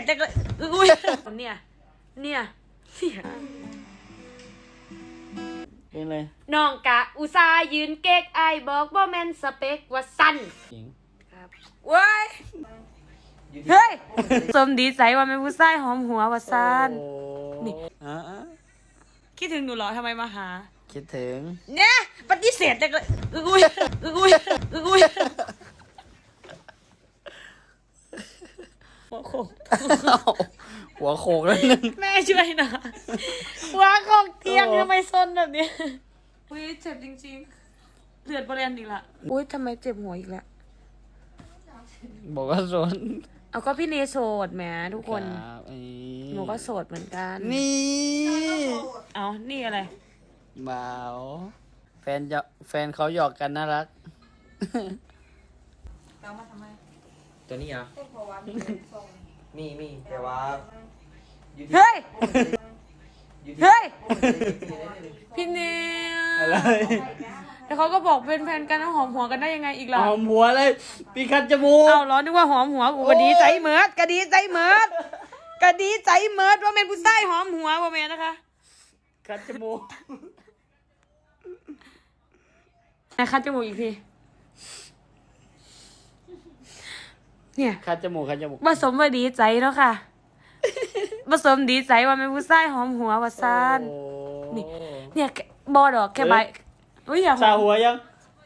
จังเลยอุ้ยเนี่ยเป็นไรน้องกะอุตส่าห์ยืนเก๊กไอบอกบ่แม่นสเปกว่าสั้นครับเว้ยเฮ้ยสมดีใจว่าแม่ผู้ชายหอมหัวว่าสั้นนี่คิดถึงหนูเหรอทำไมมาหาคิดถึงเนี่ยปฏิเสธจังเลยอุ้ยหัวโขกแล้วนึงแม่ช่วยหน่อยหัวโขกเตียงทำไมซนแบบนี้อุ้ยเจ็บจริงๆเลือดบริเวณอีกละอุ้ยทำไมเจ็บหัวอีกละบอกว่าโสดเอาก็พี่เนโสดแหมทุกคนหนูก็โสดเหมือนกันนี่เอานี่อะไรบ่าวแฟนเขาหยอกกันน่ารักเอามาทำไมตัวนี้เหรอมีแต่ว่าเฮ้ยพี่เนอะไรแล้วเขาก็บอกเป็นแฟนกันแล้วหอมหัวกันได้ยังไงอีกล่ะหอมหัวเลยปีคัดจมูกเอาล้อนึกว่าหอมหัวกูก็ดีใจเหมิดว่าเป็นผู้ชายหอมหัวว่าแม่นะคะคัดจมูกคัดจมูกอีกทีเนี่ยคัดจมูกผสมว่าดีใจแล้วค่ะผสมดีใจว่าเป็นผู้ชายหอมหัวว่าซ่านเนี่ยบอดอกแค่ใบอุ้ยอย่าสาหัวยัง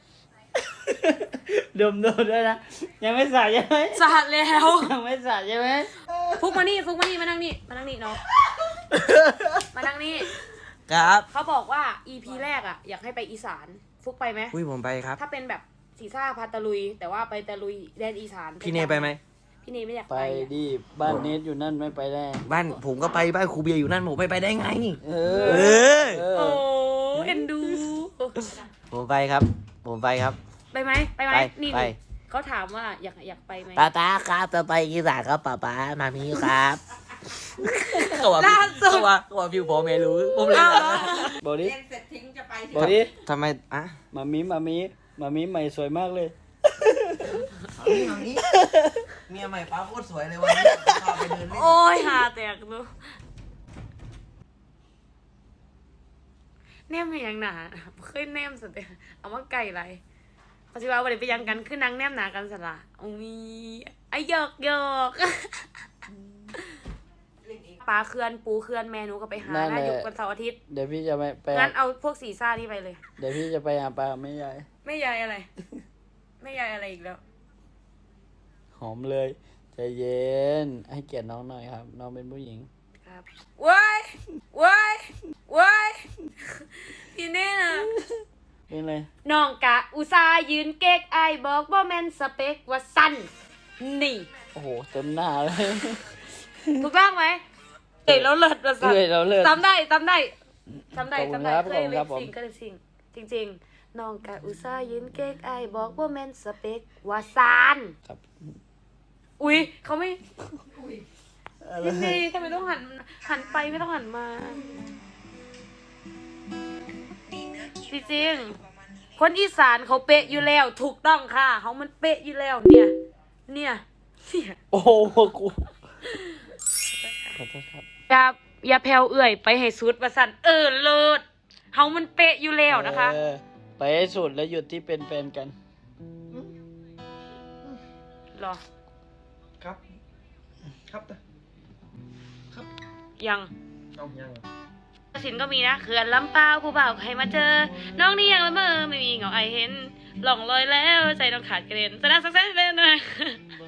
ดมด้วยนะยังไม่สาใช่ไหมสาแล้วยังไม่สาใช่ไหมฟุกมานี่มานั่งนี่เนาะมานั่งนี่ครับเขาบอกว่า EP แรกอ่ะอยากให้ไปอีสานฟุกไปไหมผมไปครับถ้าเป็นแบบสีซ่าพาตะลุยแต่ว่าไปตะลุยแดนอีสานพี่เนไปไหมพี่เนไม่อยากไปดิบ้านเนทอยู่นั่นไม่ไปได้บ้านผมก็ไปบ้านครูเบียร์อยู่นั่นผมไปได้ไงโอ้เอ็นดูผมไปครับไปไหมนี่เขาถามว่าอยากไปไหมป้าครับจะไปอีสานครับป้ามามีครับล่าสุดว่าพี่ผมไม่รู้ผมเลยบอกดิเสร็จทิ้งจะไปบอกดิทำไมมามีใหม่สวยมากเลยเมียใหม่ป้าโคตรสวยเลยวันนี้พาไปเดินเล่นโอ้ยหาแตกดูแนมอย่างหนาเคยแนมสุดเลยเอามาไก่ไรปัจจุบันวันนี้ไปยังกันคือนางแนมหนากันสละมีไอหยอกปลาเขื่อนปูเขื่อนแม่หนูก็ไปหาหน้าอยู่กันเสาร์อาทิตย์เดี๋ยวพี่จะไปงั้นเอาพวกสีซ่านี่ไปเลยเดี๋ยวพี่จะไปหาปลาไม่ยายอะไรไม่ยายอะไรอีกแล้วหอมเลยใจเย็นให้เกียรติน้องหน่อยครับน้องเป็นผู้หญิงครับว้ายพี่เน่นะเป็นไรน้องกะอุตส่าห์ยืนเก๊กไอบอกบ่แม่นสเปกว่าสั้นนี่โอ้โหเต็มหน้าเลยถูกต้องไหมแล้วเลิศว่าสั้นจำได้เคยเลยสิ่งจริงน้องกะอุตส่าห์ยืนเก๊กไอบอกว่าแม่นสเปกว่าสั้นครับอุ๊ยเขาไม่นี่ทำไมต้องหันไปไม่ต้องหันมาจริงๆคนอีสานเขาเป๊ะอยู่แล้วถูกต้องค่ะเขามันเป๊ะอยู่แล้วเนี่ยโอ้โหกูขอโทษครับอย่าแผ่วเอื่อยไปให้สุดว่าสั่นเลิศเขามันเป๊ะอยู่แล้วนะคะไปให้สุดแล้วหยุดที่เป็นแฟนกันหรอครับยังสินก็มีนะเขื่อนลำเปล่าผู้บ่าวใครมาเจอน้องนี่ยังละเมอไม่มีเหงาไอเห็นหล่องลอยแล้วใจน้องขาดกระเด็นแสดงสักเส้นเลยนะ